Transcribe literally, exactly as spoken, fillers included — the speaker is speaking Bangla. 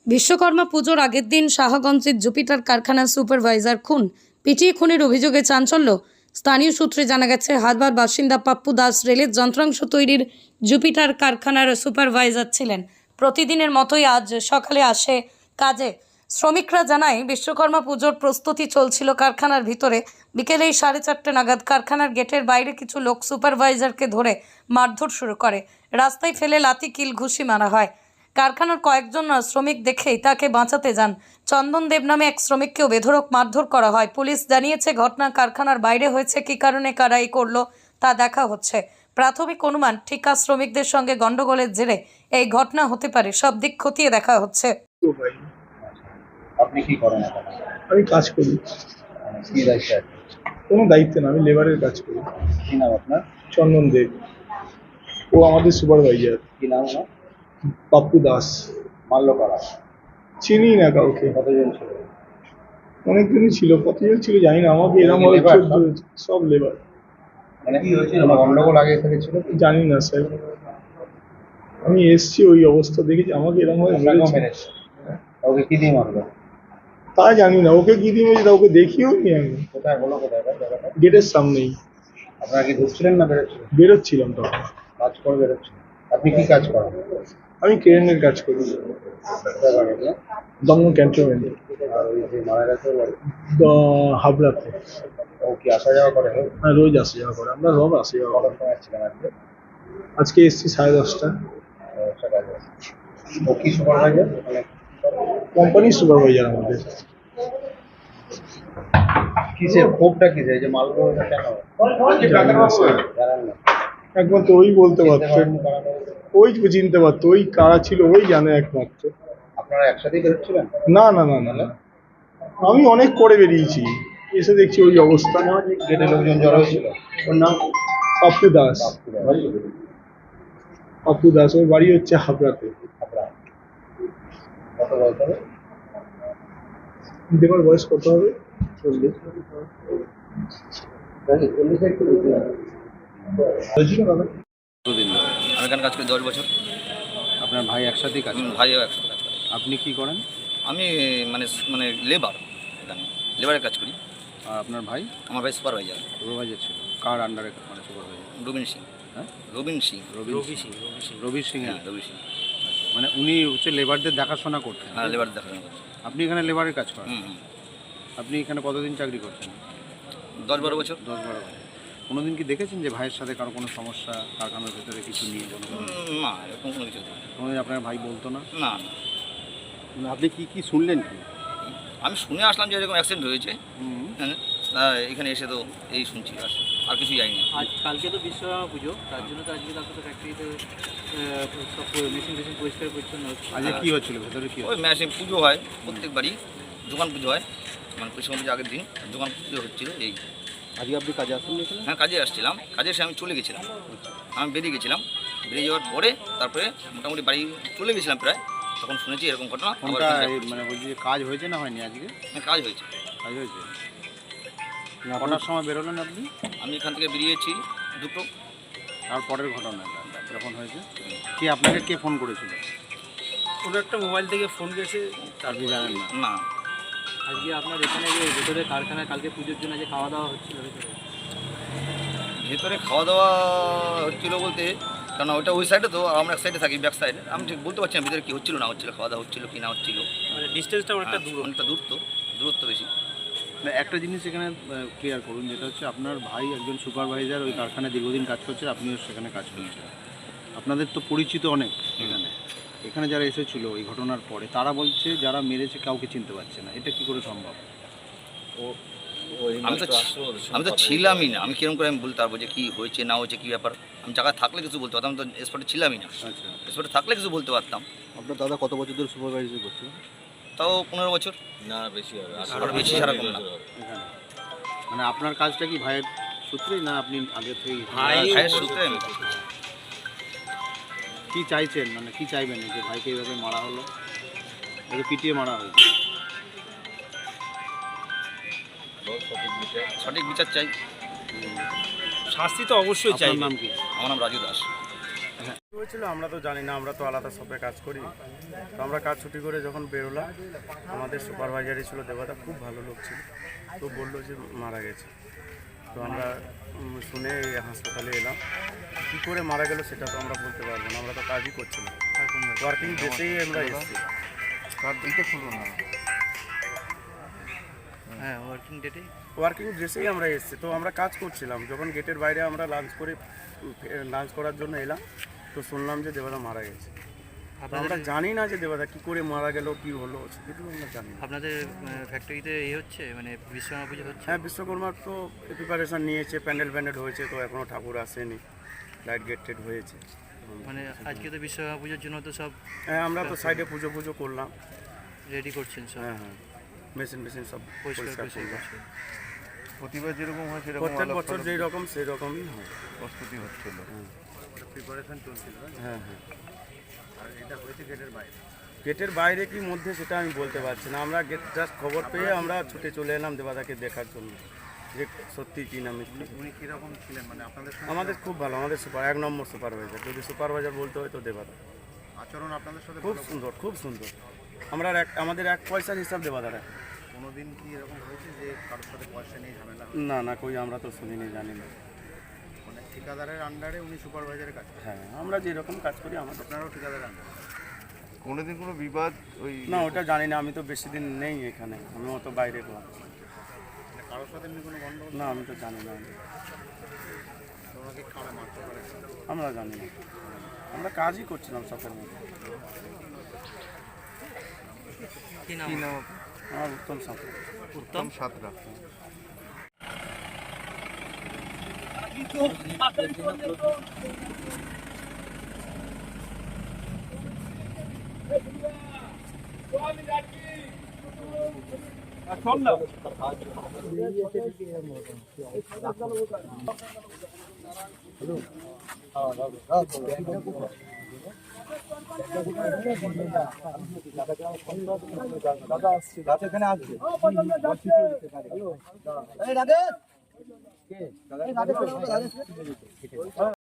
বিশ্বকর্মা পুজোর আগের দিন শাহগঞ্জের জুপিটার কারখানার সুপারভাইজার খুন, পিটিয়ে খুনের অভিযোগে চাঞ্চল্য। স্থানীয় সূত্রে জানা গেছে, হারবার বাসিন্দা পাপ্পু দাস রেলের যন্ত্রাংশ তৈরির জুপিটার কারখানার সুপারভাইজার ছিলেন। প্রতিদিনের মতোই আজ সকালে আসে কাজে। শ্রমিকরা জানায়, বিশ্বকর্মা পুজোর প্রস্তুতি চলছিল কারখানার ভিতরে। বিকেলেই সাড়ে চারটে নাগাদ কারখানার গেটের বাইরে কিছু লোক সুপারভাইজারকে ধরে মারধর শুরু করে। রাস্তায় ফেলে লাথি কিল ঘুষি মারা হয়। কারখানার কয়েকজন শ্রমিক দেখেই তাকে বাঁচাতে যান। চন্দন দেব নামে এক শ্রমিককেও বেধড়ক মারধর করা হয়। পুলিশ জানিয়েছে, ঘটনা কারখানার বাইরে হয়েছে। কী কারণে কারা এই করলো তা দেখা হচ্ছে। প্রাথমিক অনুমান, ঠিকা শ্রমিকদের সঙ্গে গন্ডগোলের জেরে এই ঘটনা হতে পারে। সব দিক খতিয়ে দেখা হচ্ছে। আপনি কি করেন এখন? আমি কাজ করি। কি দায়িত্বে আছেন? কোনো দায়িত্ব না, আমি লেবারের কাজ করি। কি নাম আপনার? চন্দন দেব। ও আমাদের সুপারভাইজার। কি নাম না? পাপ্পু দাস। মারলো কারা? চিনি না কাউকে। কতজন ছিল? অনেকদিনই ছিল, কতজন ছিল জানি না। আমাকে এরকম কি labor চোদ্দ সব লেবার। মানে কি হয়েছিল? গন্ডগোল আগে থেকে ছিল কি? জানি না স্যার, আমি এসছি ওই অবস্থা দেখেছি। আমাকে এরকম ভাবে আপনাকেও মেরেছে। মেরেছে? ওকে কি দিয়ে মারলো? তা জানি না, ওকে কি দিয়ে মেরেছে তা ওকে দেখিও নি আমি। কোথায় বলো, কোথায় ভাই জায়গাটা? গেটের সামনেই আপনারা কি ঢুকছিলেন না বেরোচ্ছিলেন? বেরোচ্ছিলাম তখন। কাজ করে বেরোচ্ছিলেন? আপনি কি কাজ করেন? আমি ক্রেনের কাজ করি, কোথায় বাড়ি আপনার? দমন ক্যান্টনমেন্টে, আর ওই যে মারা গেছে ওর বাড়ি? হাবড়াতে। ও কি আসা যাওয়া করে? হ্যাঁ, রোজ আসা যাওয়া করে। আমরা সব আসা যাওয়া কটার করি। সময় ছিলেন আজকে? আজকে এসছি সাড়ে দশটা। সকালে। ও কি সুপারভাইজার? মানে কোম্পানির সুপারভাইজার আমাদের। কিসের ক্ষোভটা কিসে? এই যে মারলো ওটা কেন? জানি না স্যার, জানেন না? একমাত্র ওই বলতে পারতো, ওই চিনতে পারতো। ওই কারা ছিল ওই জানে একমাত্র। আপনারা একসাথেই বেরোচ্ছিলেন? না না না না না, আমি অনেক করে বেরিয়েছি, এসে দেখছি ওই অবস্থা। গেটে লোকজন জড়ো হয়েছিল? ওর নাম পাপ্পু দাস। পাপ্পু দাস, ওর বাড়ি হচ্ছে হাবড়াতে। আপনারা কত বয়স হবে? দেবার বয়স কত হবে? চল্লিশ। চল্লিশে একটু বেশি হবে। হয়েছিল দাদা? কতদিন ধরে? আমি এখানে কাজ করি দশ বছর। আপনার ভাই একসাথেই কাজ হুম, করে? ভাইও একসাথে কাজ করে। আপনি কি করেন? আমি মানে মানে লেবার, এখানে লেবারের কাজ করি। আর আপনার ভাই? আমার ভাই সুপারভাইজার সুপারভাইজার ছিল। কার আন্ডারে মানে সুপারভাইজার? রবিন সিং। হ্যাঁ, রবিন সিং। রবি সিং। রবি সিং এর? হ্যাঁ, রবি সিং। মানে উনি হচ্ছে লেবারদের দেখাশোনা করতেন? হ্যাঁ, লেবার দেখাশোনা করছি। আপনি এখানে লেবারের কাজ করেন? হুম হুম আপনি এখানে কতদিন চাকরি করছেন? দশ বারো বছর। দশ বারো বছর। কোনোদিন কি দেখেছেন যে ভাইয়ের সাথে কারো কোনো সমস্যা, কারখানার ভেতরে কিছু নিয়ে কোনো কোনো? উম, না, এরকম কোনো কিছু নেই। কোনোদিন আপনার ভাই বলতো না? না না, মানে আপনি কি কি শুনলেন কি? আমি শুনে আসলাম যে এরকম অ্যাক্সিডেন্ট হয়েছে। হুম। হ্যাঁ, তা এখানে এসে তো এই শুনছি, আর আর কিছুই জানি না। আজ কালকে তো বিশ্বকর্মা পুজো, তার জন্য তো আজকে তারপরে ফ্যাক্টরিতে সব মেশিন টেশিন পরিষ্কার পরিচ্ছন্ন হচ্ছে। আজকে কি হচ্ছিল ভেতরে, কি ওই হচ্ছিল? ম্যাচে পুজো হয় প্রত্যেকবারই, দোকান পুজো হয়, মানে পরিষ্কার পুজো আগের দিন দোকান পুজো হচ্ছিল। এই আজকে আপনি কাজে আসেন এখানে? হ্যাঁ, কাজে আসছিলাম, কাজে এসে আমি চলে গেছিলাম। আমি বেরিয়ে গেছিলাম, বেরিয়ে যাওয়ার পরে তারপরে মোটামুটি বাড়ি চলে গেছিলাম প্রায়, তখন শুনেছি এরকম ঘটনা। আবার কোনটা এখানে এই মানে বলছি যে কাজ হয়েছে না হয়নি আজকে? হ্যাঁ, কাজ হয়েছে। কাজ হয়েছে। কটার সময় বেরোলেন আপনি? আমি এখান থেকে বেরিয়েছি দুটো। তারপরের ঘটনাটা যখন হয়েছে, কে আপনাকে কে ফোন করেছিল? কোনো একটা মোবাইল থেকে ফোন গেছে। আপনি জানেন না? না, আজকে আপনার এখানে যে ভেতরে কারখানায় কালকে পুজোর জন্য যে খাওয়া দাওয়া হচ্ছিল ভেতরে, ভেতরে খাওয়া দাওয়া হচ্ছিলো বলতে, কারণ ওইটা ওই সাইডে তো, আর আমরা এক সাইডে থাকি, ব্যাক সাইডে। আমি ঠিক বলতে পারছি না ভিতরে কী হচ্ছিলো না হচ্ছিলো, খাওয়া দাওয়া হচ্ছিলো কি না হচ্ছিলো। মানে ডিস্টেন্সটা অনেকটা হ্যাঁ, দূর। অনেকটা দূর তো, দূরত্ব বেশি। না, একটা জিনিস এখানে ক্লিয়ার করুন, যেটা হচ্ছে আপনার ভাই একজন সুপারভাইজার, ওই কারখানায় দীর্ঘদিন কাজ করছে, আপনিও সেখানে কাজ করছেন। আপনাদের তো পরিচিত অনেক এখানে। এখানে যারা এসেছিল এই ঘটনার পরে, তারা বলছে যারা মেরেছে কাউকে চিনতে পারছে না। এটা কি করে সম্ভব? আমি তো আমি তো ছিলামই না, আমি কিরকম করে আমি বলতে পারবো যে কী হয়েছে না হয়েছে, কী ব্যাপার। আমি জায়গায় থাকলে কিছু বলতে পারতাম, আমি তো স্পটে ছিলামই না। আচ্ছা, স্পটে থাকলে কিছু বলতে পারতাম। আপনার দাদা কত বছর ধরে সুপারভাইজার করছে তাও পনেরো বছর। না, বেশি হবে। আরো বেশি ছাড়া কম না। এখানে? মানে আপনার কাজটা কি ভাইয়ের সূত্রেই, না আপনি আগে থেকেই? ভাই ভাইয়ের সূত্রে আমি কি চাইছেন, মানে কি চাইবেন যে ভাইকে এইভাবে মারা হলো, একে পিটিয়ে মারা হয়েছে? সঠিক বিচার চাই। শাস্তি তো অবশ্যই চাই। আপনার নাম কি? আমার নাম রাজু দাস। কি হয়েছিল আমরা তো জানি না, আমরা তো আলাদা শপে কাজ করি। তো আমরা কাজ ছুটি করে যখন বেরোলাম, আমাদের সুপারভাইজারই ছিল দেবতা, খুব ভালো লোক ছিল। তো বললো যে মারা গেছে। তো আমরা উম, শুনে এই হাসপাতালে এলাম। কী করে মারা গেল সেটা তো আমরা বলতে পারবো না, আমরা তো কাজই করছিলাম, ওয়ার্কিং ডেসেই আমরা এসেছি। হ্যাঁ ওয়ার্কিং ডেটে ওয়ার্কিং ড্রেসেই আমরা এসেছি। তো আমরা কাজ করছিলাম, যখন গেটের বাইরে আমরা লাঞ্চ করে লাঞ্চ করার জন্য এলাম, তো শুনলাম যে দেবতা মারা গেছে। তো আমরা জানি না যে দেবতা কী করে মারা গেল, কী হলো, সেটা আমরা জানি না। আপনাদের ফ্যাক্টরিতে এ হচ্ছে মানে বিশ্বকর্মা পুজো হচ্ছে? হ্যাঁ, বিশ্বকর্মার তো প্রিপারেশন নিয়েছে, প্যান্ডেল প্যান্ডেল হয়েছে, তো এখনও ঠাকুর আসেনি, লাইট গেট টেট হয়েছে। মানে আজকে তো বিশ্বকর্মা পুজোর জন্য তো সব হ্যাঁ, আমরা তো সাইডে পুজো পুজো করলাম। রেডি করছেন সব? হ্যাঁ হ্যাঁ, মেশিন মেশিন সব পরিষ্কার পরিষ্কার পরিষ্কার করলাম। করছেন? প্রতিবার যেরকম হয় সেরকম প্রত্যেক বছর যেই রকম সেই রকমই হয়। প্রস্তুতি হচ্ছিল। প্রিপারেশন চলছিল না? হ্যাঁ হ্যাঁ, আর এটা হয়েছে গেটের বাইরে। গেটের বাইরে কি মধ্যে সেটা আমি বলতে পারছি না। আমরা গেট জাস্ট খবর পেয়ে আমরা ছুটে চলে এলাম দেবাদাকে দেখার জন্য, যে সত্যি কি না মিথ্যে। উনি কীরকম ছিলেন, মানে আপনাদের সঙ্গে আমাদের খুব ভালো, আমাদের সুপার এক নম্বর সুপারভাইজার, যদি সুপারভাইজার বলতে হয় তো দেবাদা। আচরণ আপনাদের সাথে খুব ভালো? সুন্দর, খুব সুন্দর। আমরা আর এক আমাদের এক পয়সার হিসাব দেবাদার। কোনোদিন কি এরকম হয়েছে যে কারোর সাথে পয়সা নিয়ে ঝামেলা হয়? না না, কই আমরা তো শুনিনি, জানি না। মানে ঠিকাদারের আন্ডারে উনি সুপারভাইজারের কাজ করেন? হ্যাঁ, আমরা যেরকম কাজ করি আমাদের। আপনারাও ঠিকাদারের আন্ডারে? কোনোদিন কোনো বিবাদ ওই না, ওটা জানি না, আমি তো বেশি দিন নেই এখানে, আমি তো বাইরে গেলাম। মানে কারোর সাথে এমনি কোনো গন্ডগোল? না, আমি তো জানি না, তো ওনাকে কারা মারতে পারে? আমরা জানি না, আমরা কাজই করছিলাম শখের মধ্যে। কি নাম? কি নাম? আমার উত্তম সাঁতরা। উত্তম সাতরা। দাদা